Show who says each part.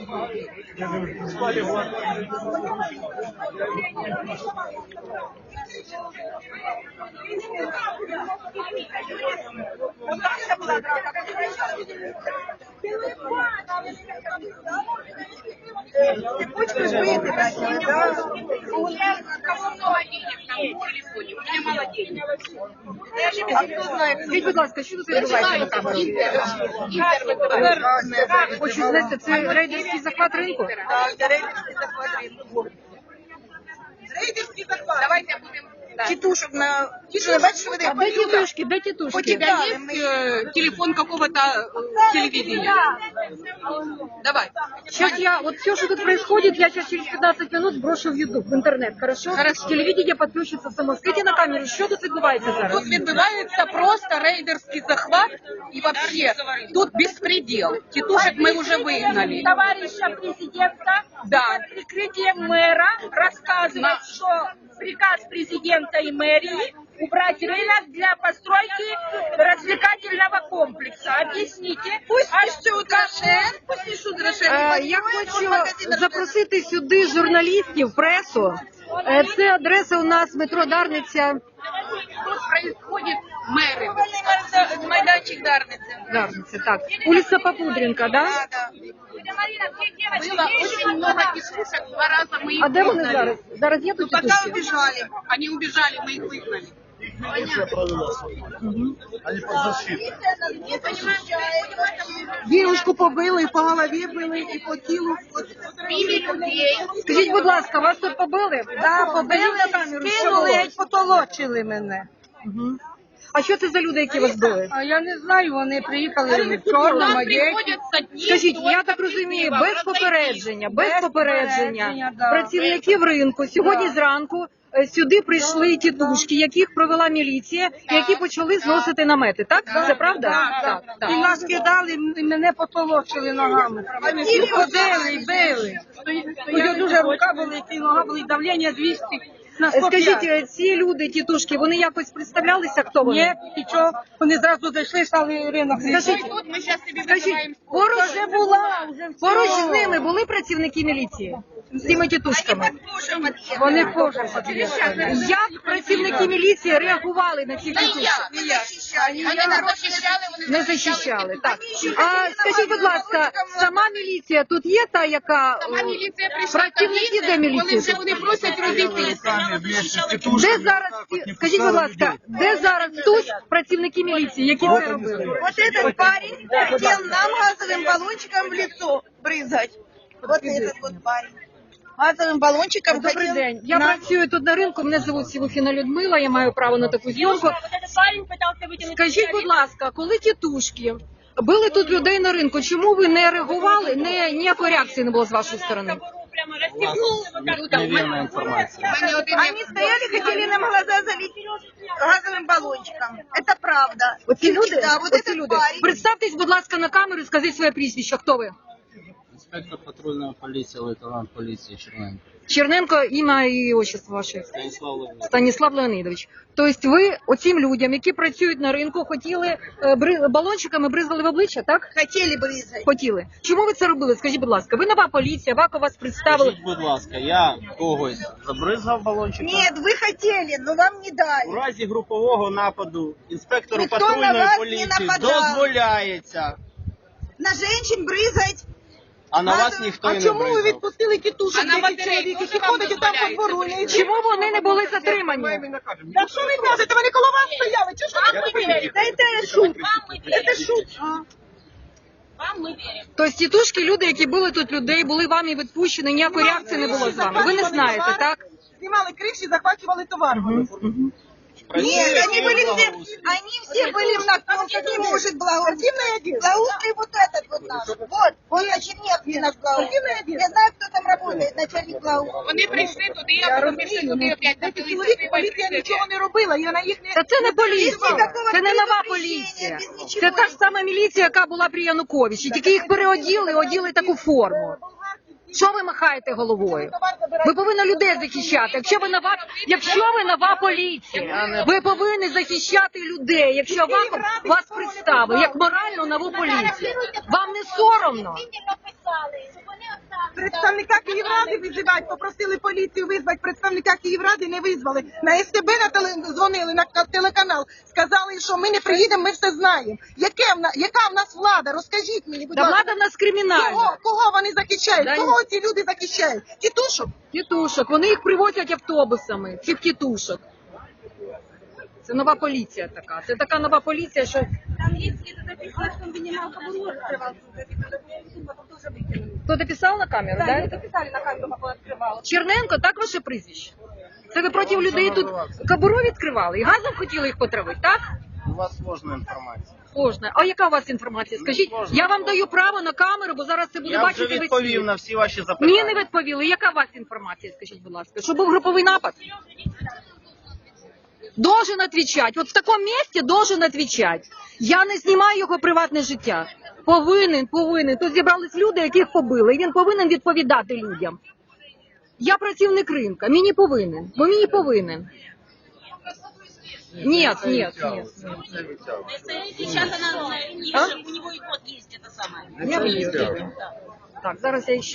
Speaker 1: Цепочку же выпитать, да?
Speaker 2: У меня кого много денег там в телефоне, у меня мало денег.
Speaker 1: А кто знает?
Speaker 3: Скажіть, будь ласка, що тут відбувається на камеру? Хочу знати, це рейдерський захват ринку?
Speaker 1: Да, рейдерский захват рынка. Рейдерский захват.
Speaker 2: Давайте будем... Да.
Speaker 1: Тітушок на... Тітушок, бачиш, вони...
Speaker 3: А де тітушки? Де
Speaker 2: У
Speaker 3: тітушки?
Speaker 2: тебя есть телефон какого-то телевидения? Давай.
Speaker 3: Сейчас я, вот все, что тут происходит, я сейчас через 15 минут сброшу в YouTube, в интернет, хорошо?
Speaker 2: Хорошо.
Speaker 3: Телевидение подключится само. Скажите на камеру, що тут відбувається зараз?
Speaker 2: Тут відбувається просто рейдерский захват и вообще тут беспредел. Тетушек мы уже выгнали.
Speaker 4: Товарища президента
Speaker 2: Да.
Speaker 4: под прикрытием мэра рассказывает, что приказ президента и мэрии убрать рынок для постройки развлекательного комплекса. Объясните.
Speaker 1: Пусть пишут Рошен, пусть пишут Рошен.
Speaker 3: Я хочу запросити сюди журналістів, пресу. Це адреса у нас метро Дарниця.
Speaker 2: Тут происходит мэры.
Speaker 1: Майданчик Дарницы.
Speaker 3: Дарниця, так. Улиця Попудренка, да?
Speaker 1: Да, да.
Speaker 2: Было очень много тетушек, 2 раза мы их
Speaker 3: А де вони
Speaker 2: выгнали.
Speaker 3: зараз? Зараз є тут
Speaker 1: Пока
Speaker 3: тітушки?
Speaker 1: убежали.
Speaker 2: Они убежали, мы их выгнали.
Speaker 5: Они под защитой.
Speaker 1: Девушку побили, і по голові били, і по тілу.
Speaker 2: Били людей.
Speaker 3: Скажіть, будь ласка, вас тут побили?
Speaker 1: Да,
Speaker 3: Скажіть на камеру, що
Speaker 1: скинули,
Speaker 3: було?
Speaker 1: геть потолочили мене.
Speaker 3: Мгм. А що це за люди, які вас били?
Speaker 1: А я не знаю, вони приїхали в
Speaker 2: Нам
Speaker 1: чорному одеті.
Speaker 2: приходят с одним...
Speaker 3: Скажіть, я так розумію, без попередження,
Speaker 1: попередження, да.
Speaker 3: працівників ринку сьогодні зранку сюди прийшли тітушки, яких провела міліція, які почали зносити намети. Так? Це правда? Так.
Speaker 1: І нас кидали, і мене потолочили ногами. І ходили, і били. Ось дуже рука болить, і нога болить, давлення 200 на 105.
Speaker 3: Скажіть, ці люди, тітушки, вони якось представлялися, хто вони?
Speaker 1: Ні, нічого, вони зразу зайшли, стали ринок.
Speaker 3: Скажіть,
Speaker 2: Тут мы сейчас тебе
Speaker 3: Скажіть,
Speaker 2: вызываем...
Speaker 1: Вже була, вже все.
Speaker 3: поруч з ними були працівники міліції? З цими тітушками?
Speaker 1: Вони позже під'їхали.
Speaker 3: Як працівники міліції реагували на цих тітушок?
Speaker 2: Они не защищали,
Speaker 3: Не захищали, так. А скажіть, будь ласка, сама міліція тут є та, яка...
Speaker 2: Сама міліція прийшла
Speaker 3: Працівники де
Speaker 2: коли
Speaker 3: міліції?
Speaker 2: вже вони просять розійтися.
Speaker 5: Сами вместе с
Speaker 3: Де
Speaker 5: тетушками
Speaker 3: зараз,
Speaker 5: так вот не
Speaker 3: скажіть, будь
Speaker 5: пускали
Speaker 3: ласка,
Speaker 5: людей.
Speaker 3: де зараз тут працівники міліції, які це робили?
Speaker 1: Вот этот парень хотел нам газовым баллончиком в лицо брызгать. Вот этот вот парень. Газовым баллончиком
Speaker 3: Добрий
Speaker 1: хотел
Speaker 3: день. Я
Speaker 1: нам...
Speaker 3: працюю тут на ринку, мене звуть Сівухіна Людмила, я маю право на таку зйомку. Скажіть, будь ласка, коли тітушки били тут людей на ринку, чому ви не реагували, ніякої реакції не було з вашої сторони?
Speaker 5: Неверная информация.
Speaker 1: Они стояли, хотели нам глаза залить газовым баллончиком. Это правда.
Speaker 3: Оці люди?
Speaker 1: Да, вот
Speaker 3: Оці
Speaker 1: этот
Speaker 3: люди.
Speaker 1: парень.
Speaker 3: Представтесь, будь ласка, на камеру і скажіть своє прізвище. Хто ви?
Speaker 5: Инспектор патрульной полиции, лейтенант полиции Черненко.
Speaker 3: Черненко, ім'я і отчество ваше.
Speaker 5: Станислав Леонидович.
Speaker 3: Станіслав Леонидович. Тобто ви оцим людям, які працюють на ринку, хотіли балончиками бризгали в обличчя, так?
Speaker 1: Хотели брызгать.
Speaker 3: Хотіли. Чому ви це робили? Скажіть, будь ласка, ви нова поліція, ВАКО вас представили.
Speaker 5: Скажіть, будь ласка, я когось забризгав балончиком?
Speaker 1: Нет, вы хотели, но вам не
Speaker 5: У
Speaker 1: дали.
Speaker 5: разі групового нападу інспектору
Speaker 1: Ніхто на
Speaker 5: патрульної
Speaker 1: вас не
Speaker 5: поліції
Speaker 1: нападав.
Speaker 5: дозволяється,
Speaker 1: На женщин брызгать.
Speaker 5: а на вас ніхто і не бризгав.
Speaker 1: відпустили тітушок,
Speaker 2: А на батареї теж вам дозволяється?
Speaker 3: Чому вони не були затримані?
Speaker 1: Так що ви кажете, вони коло вас стояли, чи що ви робили? Та це шут. Це шут.
Speaker 2: Вам мы верим.
Speaker 3: Тобто тітушки, люди, які були тут людей, були вами відпущені, ніякої реакції не було з вами. Ви не знаєте, так?
Speaker 1: Знімали криші, захвачували товар.
Speaker 5: Працює
Speaker 1: Нет, они были все,
Speaker 5: благоустрій.
Speaker 1: они все были в наркотике, не может благоустрий. Благоустрий вот этот вот наш. Вот, он начальник наш благоустрий. Я знаю, кто там работает, начальник благоустрий.
Speaker 2: Вони прийшли туди, а потім пішли туди опять напилися.
Speaker 1: Поліція нічого не робила, я на їх не...
Speaker 3: Та це не поліція,
Speaker 1: ніякого
Speaker 3: це не нова
Speaker 1: предупреждення,
Speaker 3: поліція.
Speaker 1: без нічого.
Speaker 3: Це та ж сама міліція, яка була при Януковичі, тільки їх переоділи, оділи таку форму. Що ви махаєте головою? Ви повинні людей захищати. Якщо ви нова поліція, ви повинні захищати людей, якщо вас представили як морально нову поліцію. Вам не соромно?
Speaker 1: Представника Київради визивати, попросили поліцію визвати, представника Київради не визвали. На СТБ дзвонили, на телеканал, сказали, що ми не приїдемо, ми все знаємо. Яка в нас влада? Розкажіть мені, будь
Speaker 3: Та
Speaker 1: ласка.
Speaker 3: влада в нас кримінальна.
Speaker 1: Кого вони захищають?
Speaker 3: Да
Speaker 1: Кого ці люди захищають? Тітушок?
Speaker 3: Тітушок, вони їх привозять автобусами, цих тітушок. Це нова поліція така. Це така нова поліція, що...
Speaker 4: Там есть где-то написано, что он вынимал кобуру, открывал. Потом тоже выкинули.
Speaker 3: Хто дописав на камеру,
Speaker 4: Да,
Speaker 3: да?
Speaker 4: они записали на камеру, как он открывал.
Speaker 3: Черненко, так ваше прізвище? Це ви проти людей тут кобуру відкривали і газом хотіли їх потравити, так?
Speaker 5: У вас сложная информация.
Speaker 3: Сложно. А яка у вас інформація? Скажіть, я вам даю право на камеру, бо зараз це буде
Speaker 5: Я вже
Speaker 3: бачити весь
Speaker 5: відповів
Speaker 3: світ.
Speaker 5: на всі ваші запитання.
Speaker 3: Ні, не відповіли. Яка у вас інформація, скажіть, будь ласка? Що був груповий напад? Должен отвечать. Вот в таком месте должен отвечать. Я не знімаю його приватне життя. Повинен. Тут зібрались люди, яких побили. І він повинен відповідати людям. Я працівник ринка. Мені повинен. Бо мені повинен. Нет.
Speaker 6: Сейчас она,
Speaker 3: А?
Speaker 6: у него и кот есть, это самое.
Speaker 3: Я виїжджаю. Так, зараз я ще